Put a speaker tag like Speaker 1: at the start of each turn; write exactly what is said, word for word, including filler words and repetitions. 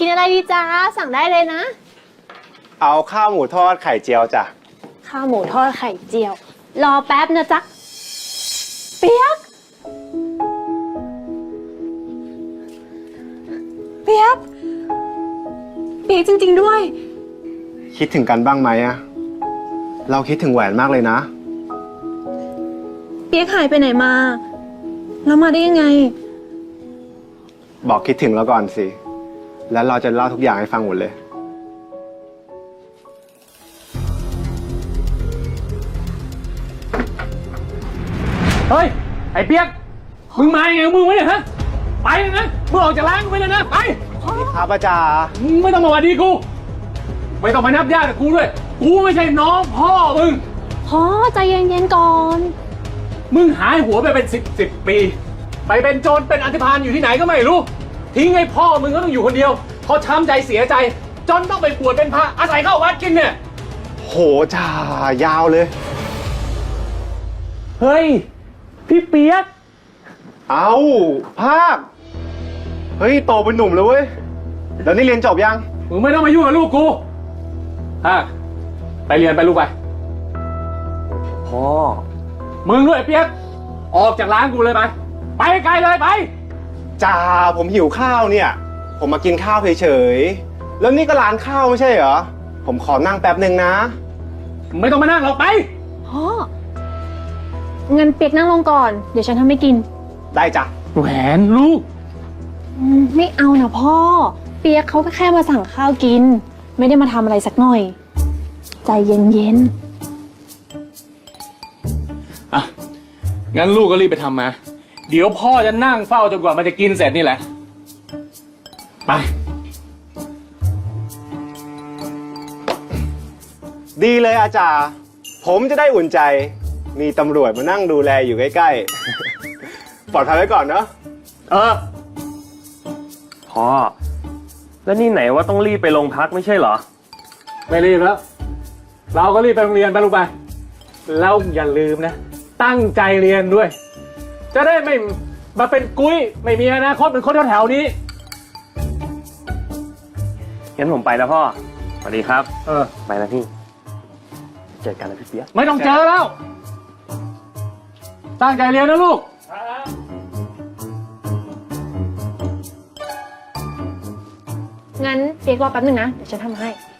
Speaker 1: กินอะไรดีจ้าสั่งได้เลยนะ
Speaker 2: เอาข้าวหมูทอดไข่เจียวจ้ะ
Speaker 1: ข้าวหมูทอดไข่เจียวรอแป๊บนะจ๊ะเปียกเปียกเปียกจริงๆด้วย
Speaker 2: คิดถึงกันบ้างไหมอะเราคิดถึงแหวนมากเลยนะ
Speaker 1: เปียกหายไปไหนมาแล้วมาได้ยังไง
Speaker 2: บอกคิดถึงเราก่อนสิแล้วเราจะเล่าทุกอย่างให้ฟังหมดเลย
Speaker 3: เฮ้ยไอ้เปียกมึงมาไงมึงวะเนี่ยฮะไปเลยนะมึงออกจากร้านกูไปเลยนะไป
Speaker 2: ครับอาจารย์
Speaker 3: มึงไม่ต้องมาหวัดดีกูไม่ต้องมานับญาติกับกูด้วยกูไม่ใช่น้องพ่อมึง
Speaker 1: พ่อใจเย็นๆก่อน
Speaker 3: มึงหายหัวไปเป็นสิบสิบปีไปเป็นโจรเป็นอันธพาลอยู่ที่ไหนก็ไม่รู้ทิ้งให้พ่อมึงก็ต้องอยู่คนเดียวเพราะช้ำใจเสียใจจนต้องไปบวชเป็นพระอาศัยเข้าวัดกินเนี่ย
Speaker 2: โหจ่ายาวเลย
Speaker 3: เฮ้ยพี่เปียก
Speaker 2: เอาภาคเฮ้ยโตเป็นหนุ่มแล้วเว้ยแล้วนี่เรียนจบยัง
Speaker 3: มึงไม่ต้องมายุ่งกับลูกกูฮะไปเรียนไปลูกไปพ่อมึงด้วยเปียกออกจากร้านกูเลยไปไปไกลเลยไป
Speaker 2: จ่าผมหิวข้าวเนี่ยผมมากินข้าวเฉยๆแล้วนี่ก็ร้านข้าวไม่ใช่เหรอผมขอนั่งแป๊บหนึ่งนะ
Speaker 3: ไม่ต้องมานั่งหรอกไป
Speaker 1: พ่อเงินเปียกนั่งลงก่อนเดี๋ยวฉันทำให้กิน
Speaker 2: ได้จ้ะ
Speaker 3: แหวนลูก
Speaker 1: ไม่เอานะพ่อเปียกเขาก็แค่มาสั่งข้าวกินไม่ได้มาทำอะไรสักหน่อยใจเย็น
Speaker 3: ๆอ่ะงั้นลูกก็รีบไปทำมาเดี๋ยวพ่อจะนั่งเฝ้าจนกว่ามันจะกินเสร็จนี่แหละไป
Speaker 2: ดีเลยอาจารย์ผมจะได้อุ่นใจมีตำรวจมานั่งดูแลอยู่ใกล้ๆปลอดภัยไว้ก่อนเนาะ
Speaker 3: เออ
Speaker 4: พ่อแล้วนี่ไหนว่าต้องรีบไปโรงพักไม่ใช่เหรอ
Speaker 3: ไม่รีบแล้วเราก็รีบไปโรงเรียนไปลูกไปแล้วอย่าลืมนะตั้งใจเรียนด้วยจะได้ไม่มาเป็นกุ้ยไม่มีอนาคตเป็นคนแถวๆนี้
Speaker 4: งั้นผมไปแล้วพ่อสวัสดีครับ
Speaker 3: เออ
Speaker 4: ไปแล้วพี่เจอกันนะพี่เปี๊ยก
Speaker 3: ไม่ต้องเจอแล้วตั้งใจเรียนนะลูก
Speaker 1: งั้นเปียกรอแป๊บนึงนะเดี๋ยวฉันทำให้